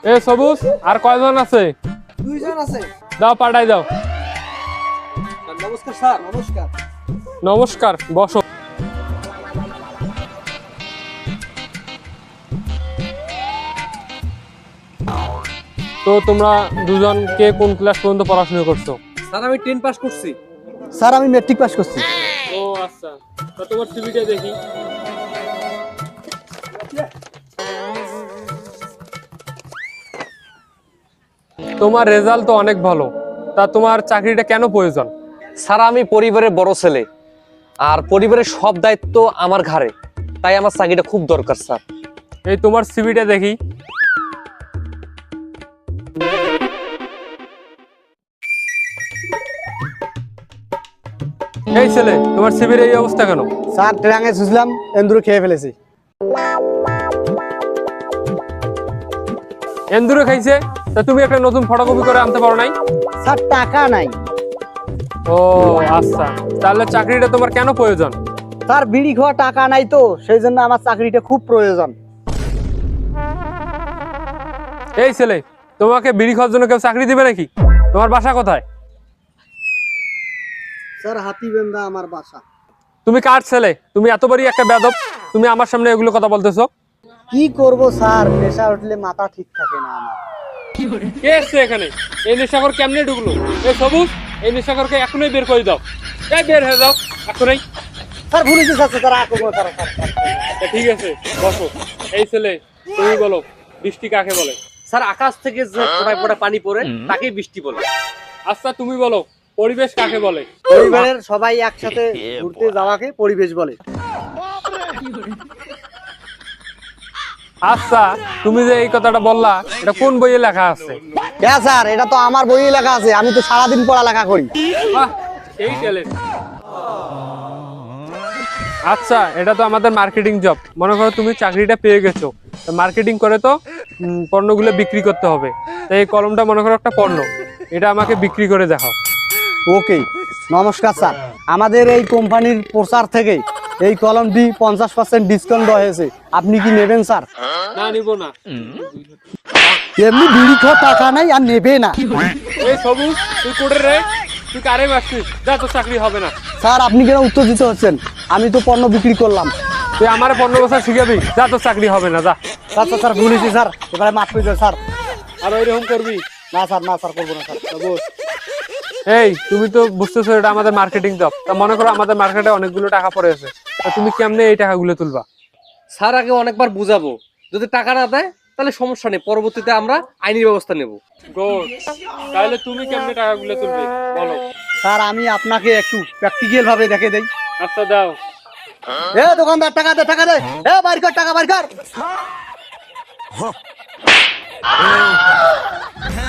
এ সবুজ আর কয়জন আছে? দুইজন আছে। দাও পাঠাই দাও। নমস্কার স্যার। নমস্কার। নমস্কার, বসো। তো তোমরা দুজন কে কোন ক্লাস পর্যন্ত পড়াশোনা করছো? স্যার আমি 10 পাস করছি। স্যার আমি ম্যাট্রিক পাস করছি। ও আচ্ছা, তো তোমার সিভিটা দেখি। তোমার রেজাল্ট তো অনেক ভালো, তা তোমার চাকরিটা কেন প্রয়োজন? স্যার আমি পরিবারের বড় ছেলে, আর পরিবারের সব দায়িত্ব আমার ঘাড়ে, তাই আমার চাকরিটা খুব দরকার স্যার। এই তোমার সিভিটা দেখি। এই ছেলে, তোমার সিভির এই অবস্থা কেন? স্যার ট্রাঙে ছুঁচলাম, এন্দুরে খেয়ে ফেলেছি। এন্দুরে খাইছে? তা তুমি একটা নতুন ফটোকপি করে আনতে পারো নাই? স্যার টাকা নাই। ও আচ্ছা, তাহলে চাকরিটা তোমার কেন প্রয়োজন? স্যার বিড়ি খাওয়া টাকা নাই, তো সেই জন্য আমার চাকরিটা খুব প্রয়োজন। এই ছেলে, তোমাকে বিড়ি খাওয়ার জন্য কেউ চাকরি দিবে নাকি? তোমার বাসা কোথায়? স্যার হাতিবেন্দা আমার বাসা। তুমি কার ছেলে? তুমি এত বড় একটা বেয়াদব, তুমি আমার সামনে এগুলো কথা বলতেছো? কি করব স্যার, নেশা উঠলে মাথা ঠিক থাকে না আমার। কে এসছে এখানে? এই নেশাখোর কেমনে ঢুকলো? এই সবুজ, এই নেশাখোরকে এখনই বের করে দাও। এই বের হয়ে যাও এখনই। স্যার ভুলে গেছে স্যার, তারা আক্রমণ তারা স্যার। তা ঠিক আছে, বসো। এই ছেলে, তুমি বলো বৃষ্টি কাকে বলে? স্যার আকাশ থেকে যে ফোঁটায় ফোঁটায় পানি পড়ে তাকেই বৃষ্টি বলে। আচ্ছা তুমি বলো পরিবেশ কাকে বলে? পরিবারের সবাই একসাথে ঘুরতে যাওয়াকে পরিবেশ বলে। আচ্ছা তুমি যে এই কথাটা বললা, এটা কোন বইয়ে লেখা আছে? হ্যাঁ স্যার, এটা তো আমার বইয়ে লেখা আছে, আমি তো সারাদিন পড়ালেখা করি। বাহ, সেই ট্যালেন্ট। আচ্ছা, এটা তো আমাদের মার্কেটিং জব। মনে করো তুমি চাকরিটা পেয়ে গেছো, মার্কেটিং করে তো পণ্যগুলো বিক্রি করতে হবে। তাই এই কলমটা মনে করো একটা পণ্য, এটা আমাকে বিক্রি করে দেখাও। ওকে, নমস্কার স্যার। আমাদের এই কোম্পানির প্রচার থেকে এই কলমটি 50% ডিসকাউন্ট দেওয়া হয়েছে, আপনি কি নেবেন স্যার? না, নিব না। এমনি বিড়ি খাওয়া টাকা নাই আর নেবে না। এই সবুজ, তুই কোটে রে, তুই কারে মারছিস? যা, তোর চাকরি হবে না। স্যার আপনি কেন উত্তর দিতে হচ্ছেন? আমি তো পণ্য বিক্রি করলাম। তুই আমার পণ্য বছর শিখাবি? যা, তোর চাকরি হবে না, যা। আচ্ছা স্যার, ভুলেছি স্যার, এবারে মাফ করে দেন স্যার। আর ওইরকম করবি না স্যার, না স্যার, করবো না স্যার। বস। এই তুমি তো বুঝতেছো এটা আমাদের মার্কেটিং জব। তা মনে করো আমাদের মার্কেটে অনেকগুলো টাকা পড়ে আছে, তা তুমি কেমনে এই টাকাগুলো তুলবা? স্যার আগে অনেকবার বুঝাবো, যদি টাকা না দেয় তাহলে সমস্যা নেই, পরবর্তীতে আমরা আইনি ব্যবস্থা নেব। গুড। তাহলে তুমি কেমনে টাকাগুলো তুলবে বলো? স্যার আমি আপনাকে একটু প্র্যাকটিক্যাল ভাবে দেখে দেই। আচ্ছা দাও। এ দোকানদার, টাকা দে, টাকা দে। এ বাইর কর, টাকা বাইর কর।